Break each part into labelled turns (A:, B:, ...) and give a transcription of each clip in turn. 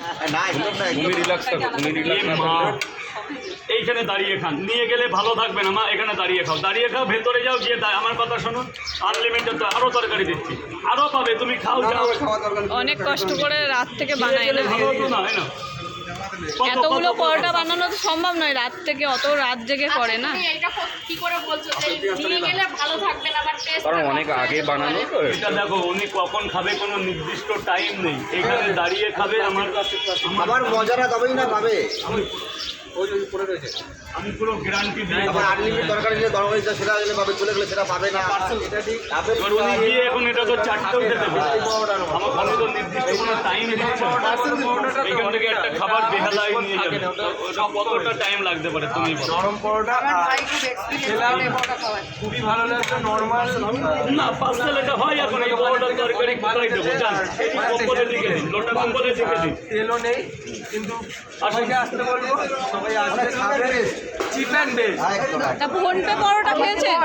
A: তুমি রিল্যাক্স থাকো, তুমি রিল্যাক্স থাকো।
B: এইখানে দাঁড়িয়ে খান, নিয়ে গেলে ভালো থাকবে না মা। এখানে দাঁড়িয়ে খাও, দাঁড়িয়ে খাও, ভেতরে যাও, গিয়ে আমার কথা শোনো। আনলিমিটেড তো আরও তরকারি দিচ্ছি, আরও পাবে, তুমি খাও যাও।
C: অনেক কষ্ট করে রাত থেকে বানাই না,
B: ভালো হতো না, হয় না?
C: এতগুলো পরোটা বানানো তো সম্ভব নয়, রাত থেকে অত রাত জেগে করে না।
D: কি করে বলছো নিয়ে গেলে ভালো থাকবে না, বাট টেস্ট
A: কারণ অনেক আগে বানানো তো।
B: এটা দেখো, উনি কখন খাবে কোনো নির্দিষ্ট টাইম নেই, এখানে দাঁড়িয়ে খাবে।
E: আমার মজাটা তবেই না পাবে।
B: আমি পুরো গ্যারান্টি দিই।
E: আবার আনলিমিটেড তরকারি নিয়ে দরকারি সেটা গেলে পাবে, চলে গেলে সেটা পাবে না।
B: এবার উনি গিয়ে এখন এটা তো চারটেও খেতে পারে। আমার ফোনে তো নির্দিষ্ট কোনো টাইম দিচ্ছে না। এখান থেকে একটা খাবার বেহালায় নিয়ে যাবে, ওটা কতটা টাইম লাগতে পারে তুমি বলো?
F: নরম পরোটা খেলাম, খুবই ভালো লাগছে। নর্মাল
B: না, পার্সেল এটা হয় এখন। এই পরোটার তরকারি কোথায় দেবো জান? কম্বলে লিখে দিন, লোটা কম্বলে লিখে দিন।
F: তেলও নেই, কিন্তু সবাইকে আসতে বলবো, সবাই আসবে, খাবে, চিপ অ্যান্ড বেস্ট।
C: তা ফোনপে পরোটা খেয়েছেন?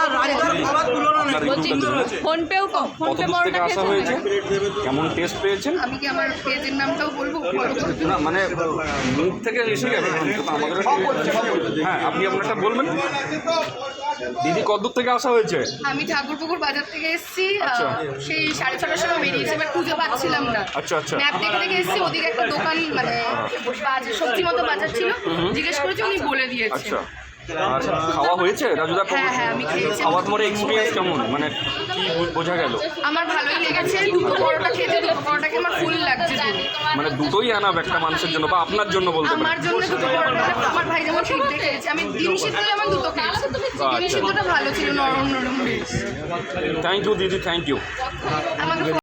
C: বলছি ফোনপেও ফোনপে
A: কতদূর থেকে
C: পরোটা
A: আসা
C: খেয়েছেন?
A: হয়েছে, কেমন টেস্ট পেয়েছেন?
D: আমি কি আমার পেজের নামটাও বলবো?
A: না মানে মুখ থেকে এসে যাবে, কিন্তু আমাদের হ্যাঁ, আপনি আপনারটা বলবেন। দিদি কতদূর থেকে আসা হয়েছে?
D: আমি ঠাকুরপুকুর বাজার থেকে এসেছি,
A: আচ্ছা।
D: সেই 6:30টার সময় বেরিয়েছি, এবার খুঁজে পাচ্ছিলাম না।
A: আচ্ছা আচ্ছা।
D: ম্যাপ দেখে দেখে এসেছি, ওদিকে একটা দোকান মানে বাজার, সবজি মতো বাজার ছিল, জিজ্ঞেস করেছি, উনি বলে দিয়েছে।
A: আচ্ছা, আর খাওয়া হয়েছে রাজুদা?
D: হ্যাঁ, আমি খেয়েছি।
A: খাওয়ার পরে এক্সপিরিয়েন্স কেমন, মানে কি বোঝা গেল?
D: আমার ভালোই লেগেছে, দুটো পরোটা খেতে, দুটো পরোটাকে আমার ফুল লাগছে।
A: মানে দুটোই আনাব একটা মানুষের জন্য বা আপনার জন্য বলতে
D: আমার
A: পারেন।
D: জন্য দুটো পরোটা, আমার ভাই যেমন সিদ্ধ খেয়েছে, আমি ডিম সিদ্ধ যেমন দুটো খেয়েছি। ডিম সিদ্ধটা ভালো ছিল, নরম নরম।
A: থ্যাংক ইউ দিদি, থ্যাংক ইউ।
D: আমাকে